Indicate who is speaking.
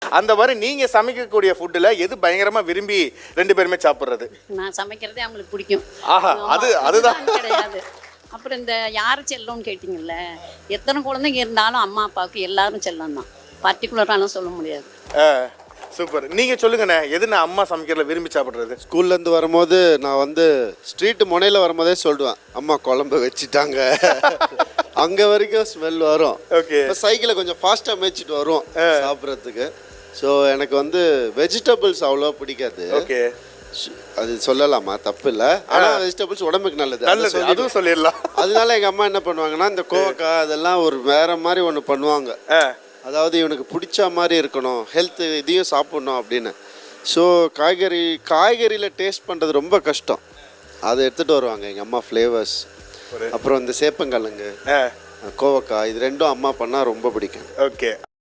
Speaker 1: அந்த மாதிரி நீங்க சமைக்கக்கூடிய ஃபுட்டுல எது பயங்கரமா விரும்பி 2 பேருமே சாப்பிடுறது?
Speaker 2: நான் சமைக்கிறதே அவங்களுக்கு பிடிக்கும்.
Speaker 1: ஆஹா, அதுதான்
Speaker 2: கிடையாது. அப்புறம் இந்த யார் செல்லம்னு கேட்டிங்கல்ல, எத்தனை குழந்தைங்க இருந்தாலும் அம்மா அப்பாவுக்கு எல்லாரும் செல்லம் தான், பர்டிகுலராலாம் சொல்ல முடியாது.
Speaker 1: சூப்பர். நீங்க சொல்லுங்கண்ணே, எது நான் அம்மா சமைக்கிறதுல விரும்பி சாப்பிடுறது?
Speaker 3: ஸ்கூல்லேருந்து வரும்போது நான் வந்து ஸ்ட்ரீட்டு முனையில் வரும்போதே சொல்லிடுவேன், அம்மா குழம்பு வச்சுட்டாங்க. அங்கே வரைக்கும் ஸ்மெல் வரும்.
Speaker 1: ஓகே.
Speaker 3: இப்போ சைக்கிளை கொஞ்சம் ஃபாஸ்ட்டாக மேய்ச்சிட்டு வரும் சாப்பிட்றதுக்கு. ஸோ எனக்கு வந்து வெஜிடபிள்ஸ் அவ்வளோ பிடிக்காது.
Speaker 1: ஓகே.
Speaker 3: அது சொல்லலாமா? தப்பு இல்லை. ஆனால் வெஜிடபிள்ஸ் உடம்புக்கு நல்லது,
Speaker 1: அதுவும் சொல்லிடலாம்.
Speaker 3: அதனால எங்கள் அம்மா என்ன பண்ணுவாங்கன்னா, இந்த கோவக்காய் அதெல்லாம் ஒரு வேற மாதிரி ஒன்று பண்ணுவாங்க. அதாவது இவனுக்கு பிடிச்ச மாதிரி இருக்கணும், ஹெல்த் இதையும் சாப்பிட்ணும் அப்படின்னு. ஸோ காய்கறியில் டேஸ்ட் பண்ணுறது ரொம்ப கஷ்டம். அதை எடுத்துகிட்டு வருவாங்க எங்கள் அம்மா, ஃப்ளேவர்ஸ். அப்புறம் இந்த சேப்பங்கிழங்கு, கோவக்காய், இது ரெண்டும் அம்மா பண்ணால் ரொம்ப பிடிக்கும்.
Speaker 1: ஓகே.